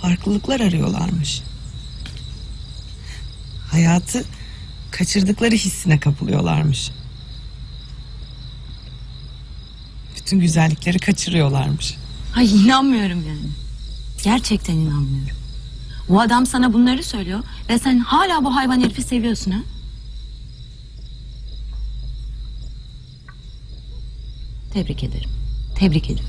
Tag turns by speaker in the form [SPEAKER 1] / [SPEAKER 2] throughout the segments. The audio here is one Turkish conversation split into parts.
[SPEAKER 1] farklılıklar arıyorlarmış. Hayatı kaçırdıkları hissine kapılıyorlarmış. Bütün güzellikleri kaçırıyorlarmış.
[SPEAKER 2] Ay inanmıyorum yani. Gerçekten inanmıyorum. Bu adam sana bunları söylüyor ve sen hala bu hayvan herifi seviyorsun ha? Tebrik ederim. Tebrik ederim.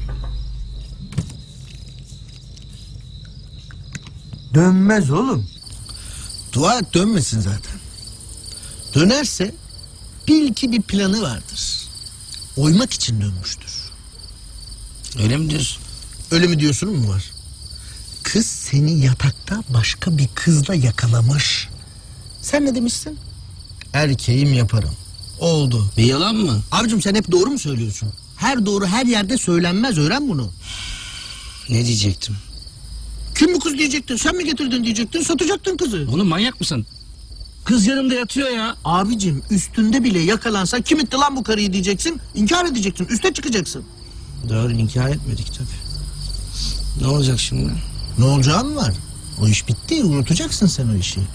[SPEAKER 3] Dönmez oğlum.
[SPEAKER 4] Dua et dönmesin zaten. Dönerse bil ki bir planı vardır. Oymak için dönmüştür.
[SPEAKER 5] Öyle mi diyorsun?
[SPEAKER 4] Öyle mi diyorsun mu var? Kız seni yatakta başka bir kızla yakalamış. Sen ne demişsin? Erkeğim yaparım. Oldu.
[SPEAKER 5] Bir yalan mı?
[SPEAKER 4] Abicim sen hep doğru mu söylüyorsun? Her doğru her yerde söylenmez, öğren bunu.
[SPEAKER 5] Ne diyecektim?
[SPEAKER 4] Kim bu kız diyecektin? Sen mi getirdin diyecektin, satacaktın kızı.
[SPEAKER 5] Oğlum manyak mısın? Kız yanımda yatıyor ya.
[SPEAKER 4] Abicim üstünde bile yakalansa kim itti lan bu karıyı diyeceksin. İnkar edeceksin, üste çıkacaksın.
[SPEAKER 5] Doğru, inkar etmedik tabii. Ne olacak şimdi?
[SPEAKER 4] Ne olacağı mı var? O iş bitti, unutacaksın sen o işi.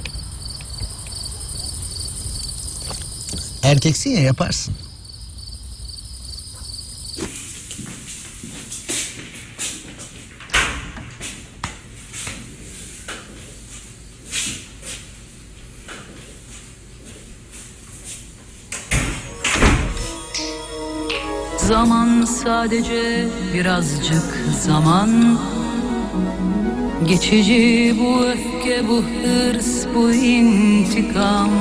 [SPEAKER 4] Erkeksin ya, yaparsın.
[SPEAKER 6] Zaman sadece birazcık zaman. Geçici bu öfke, bu hırs, bu intikam.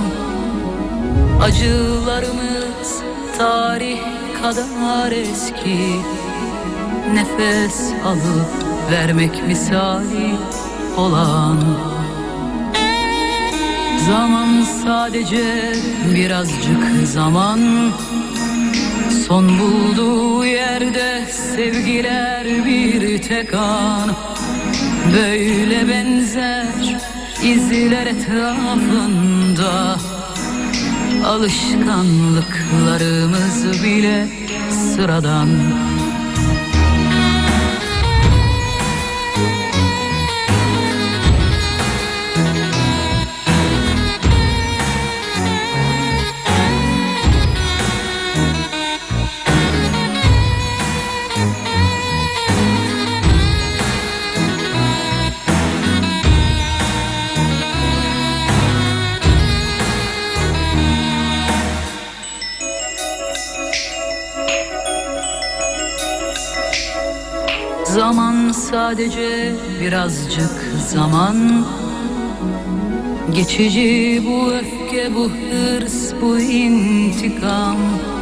[SPEAKER 6] Acılarımız tarih kadar eski. Nefes alıp vermek misali olan. Zaman sadece birazcık zaman. Son bulduğu yerde sevgiler bir tek an. Böyle benzer izler etrafında. Alışkanlıklarımız bile sıradan. Zaman sadece birazcık zaman. Geçici bu öfke, bu hırs, bu intikam.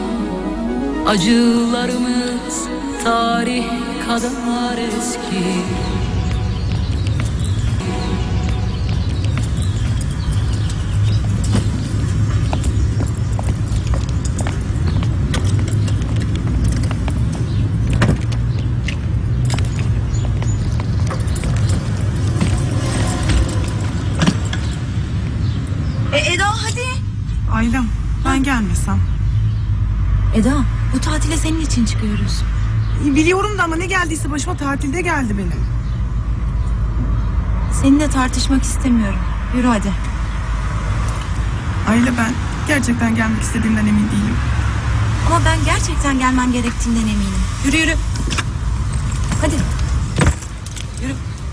[SPEAKER 6] Acılarımız tarih kadar eski.
[SPEAKER 2] Eda hadi.
[SPEAKER 1] Aylem, ben gelmesem.
[SPEAKER 2] Eda, bu tatile senin için çıkıyoruz.
[SPEAKER 1] Biliyorum da ama ne geldiyse başıma tatilde geldi benim.
[SPEAKER 2] Seninle tartışmak istemiyorum. Yürü hadi.
[SPEAKER 1] Ayla, ben gerçekten gelmek istediğimden emin değilim.
[SPEAKER 2] Ama ben gerçekten gelmen gerektiğinden eminim. Yürü yürü. Hadi. Yürü.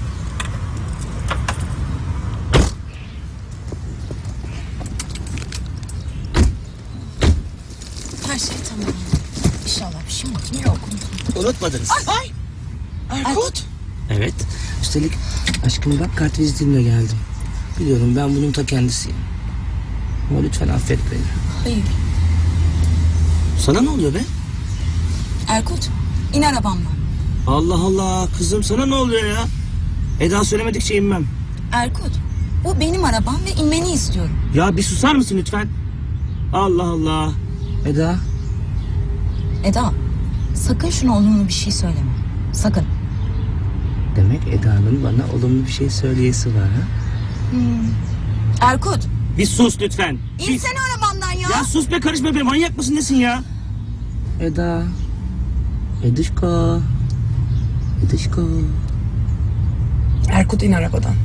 [SPEAKER 2] Her şey tamam. İnşallah bir şey yok.
[SPEAKER 5] Unutmadınız.
[SPEAKER 2] Ay. Erkut.
[SPEAKER 5] Evet. Üstelik aşkım bak, kart vizitimle geldim. Biliyorum ben bunun ta kendisiyim. Ama lütfen affet beni.
[SPEAKER 2] Hayır.
[SPEAKER 5] Sana ne oluyor be?
[SPEAKER 2] Erkut, in arabamdan.
[SPEAKER 5] Allah Allah kızım, sana ne oluyor ya? Eda söylemedikçe inmem.
[SPEAKER 2] Erkut, bu benim arabam ve inmeni istiyorum.
[SPEAKER 5] Ya bir susar mısın lütfen? Allah Allah. Eda.
[SPEAKER 2] Eda, sakın şuna olumlu bir şey söyleme. Sakın.
[SPEAKER 5] Demek Eda'nın bana olumlu bir şey söyleyesi var ha?
[SPEAKER 2] Erkut,
[SPEAKER 5] Bir sus lütfen.
[SPEAKER 2] insene arabamdan ya.
[SPEAKER 5] Ya sus be, karışma be, manyak mısın nesin ya? Eda. Edişko. Edişko.
[SPEAKER 1] Erkut. Erkut in arabadan.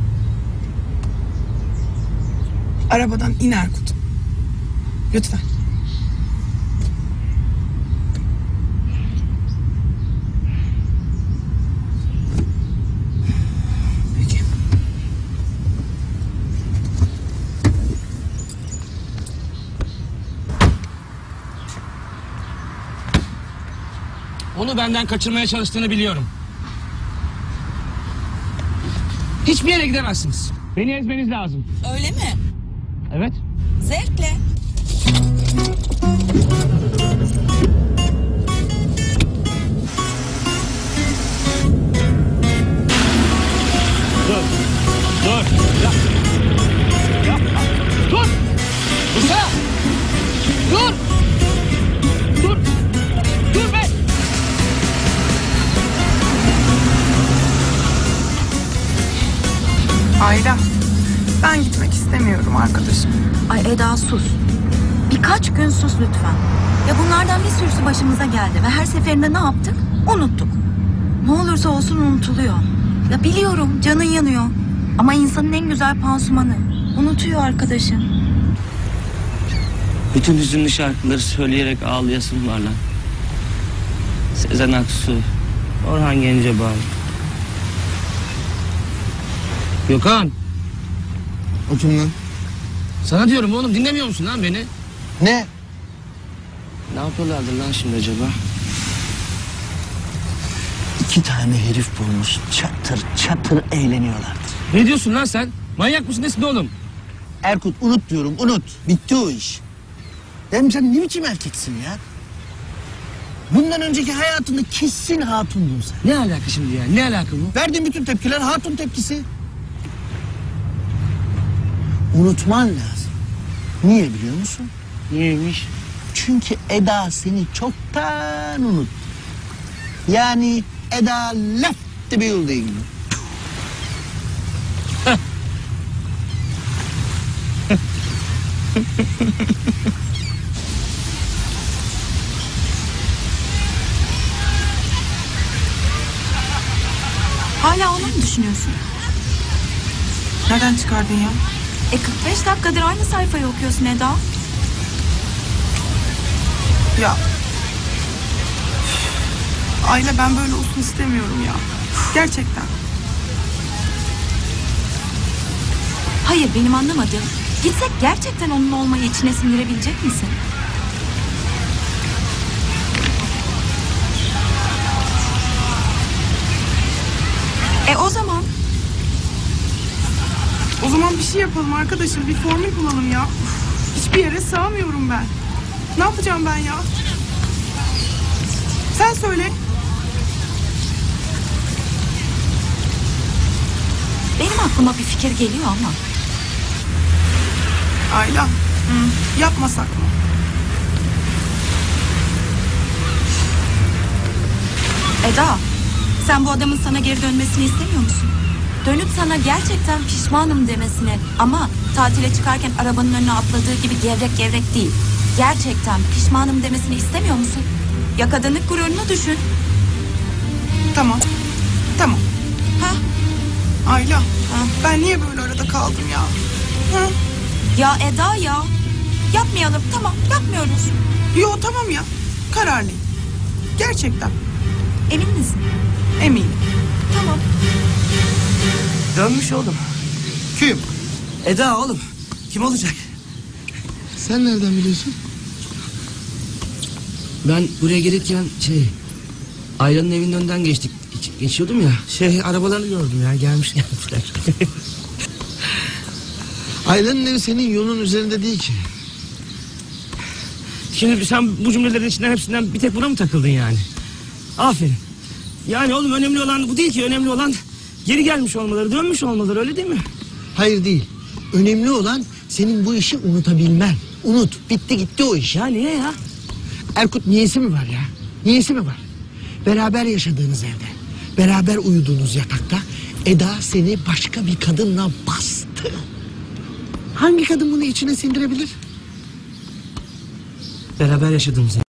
[SPEAKER 1] Arabadan in Erkut. Lütfen.
[SPEAKER 5] Peki.
[SPEAKER 7] Onu benden kaçırmaya çalıştığını biliyorum. Hiçbir yere gidemezsiniz. Beni ezmeniz lazım.
[SPEAKER 2] Öyle mi?
[SPEAKER 7] Evet.
[SPEAKER 2] Zevkle.
[SPEAKER 7] Dur. Dur. Yapma. Yapma. Dur. Dursana. Dur. Dur. Dur be.
[SPEAKER 1] Ayla. Ben gitmek istemiyorum arkadaşım.
[SPEAKER 2] Ay Eda sus. Birkaç gün sus lütfen. Ya bunlardan bir sürüsü başımıza geldi ve her seferinde ne yaptık? Unuttuk. Ne olursa olsun unutuluyor. Ya biliyorum canın yanıyor. Ama insanın en güzel pansumanı. Unutuyor arkadaşım.
[SPEAKER 5] Bütün hüzünlü şarkıları söyleyerek ağlayasın var lan. Sezen Aksu, Orhan Gencebay. Gökhan.
[SPEAKER 4] O kim lan?
[SPEAKER 7] Sana diyorum oğlum, dinlemiyor musun lan beni?
[SPEAKER 4] Ne?
[SPEAKER 5] Ne yapıyorlardır lan şimdi acaba?
[SPEAKER 4] 2 tane herif bulmuş. Çatır çatır eğleniyorlardır.
[SPEAKER 7] Ne diyorsun lan sen? Manyak mısın nesin oğlum?
[SPEAKER 4] Erkut unut diyorum, unut. Bitti o iş. Dedim sen ne biçim erkeksin ya? Bundan önceki hayatında kesin hatundun sen.
[SPEAKER 7] Ne alaka şimdi ya? Ne alaka bu?
[SPEAKER 4] Verdiğin bütün tepkiler hatun tepkisi. Unutman lazım. Niye biliyor musun?
[SPEAKER 5] Niyeymiş?
[SPEAKER 4] Çünkü Eda seni çoktan unuttu. Yani Eda left the building.
[SPEAKER 2] Hala onu mu düşünüyorsun?
[SPEAKER 1] Nereden çıkardın ya?
[SPEAKER 2] 45 dakikadır aynı sayfayı okuyorsun Eda.
[SPEAKER 1] Ya. Ayla ben böyle olsun istemiyorum ya. Gerçekten.
[SPEAKER 2] Hayır benim anlamadığım. Gitsek gerçekten onun olmayı içine sindirebilecek misin? O zaman
[SPEAKER 1] O zaman bir şey yapalım arkadaşım. Bir formül bulalım ya. Hiçbir yere sığamıyorum ben. Ne yapacağım ben ya? Sen söyle.
[SPEAKER 2] benim aklıma bir fikir geliyor ama.
[SPEAKER 1] Ayla. Yapmasak mı?
[SPEAKER 2] Eda, sen bu adamın sana geri dönmesini istemiyor musun? Dönüp sana gerçekten pişmanım demesini ama tatile çıkarken arabanın önüne atladığı gibi gevrek gevrek değil. Gerçekten pişmanım demesini istemiyor musun? Ya kadınlık gururunu düşün.
[SPEAKER 1] Tamam. Tamam.
[SPEAKER 2] Ha?
[SPEAKER 1] Ayla. Ben niye böyle arada kaldım ya? Ha?
[SPEAKER 2] Ya Eda ya. Yapmayalım tamam yapmıyoruz.
[SPEAKER 1] Yo tamam ya. Kararlıyım. Gerçekten.
[SPEAKER 2] Emin misin?
[SPEAKER 1] Eminim.
[SPEAKER 2] Tamam.
[SPEAKER 5] Dönmüş oğlum.
[SPEAKER 4] Kim?
[SPEAKER 5] Eda oğlum. Kim olacak?
[SPEAKER 4] Sen nereden biliyorsun?
[SPEAKER 5] Ben buraya gelirken Ayla'nın evinin önünden geçiyordum ya. Arabalarını gördüm ya, gelmiş gelmişler.
[SPEAKER 4] Ayla'nın evi senin yolun üzerinde değil ki.
[SPEAKER 7] Şimdi sen bu cümlelerin içinden hepsinden bir tek buna mı takıldın yani? Aferin. Yani oğlum önemli olan bu değil ki. Önemli olan geri gelmiş olmaları, dönmüş olmaları, öyle değil mi?
[SPEAKER 4] Hayır değil. Önemli olan senin bu işi unutabilmen. Unut. Bitti gitti o iş.
[SPEAKER 7] Ya niye ya?
[SPEAKER 4] Erkut niyesi mi var ya? Niyesi mi var? Beraber yaşadığınız evde, beraber uyuduğunuz yatakta Eda seni başka bir kadınla bastı. Hangi kadın bunu içine sindirebilir?
[SPEAKER 5] Beraber yaşadığımız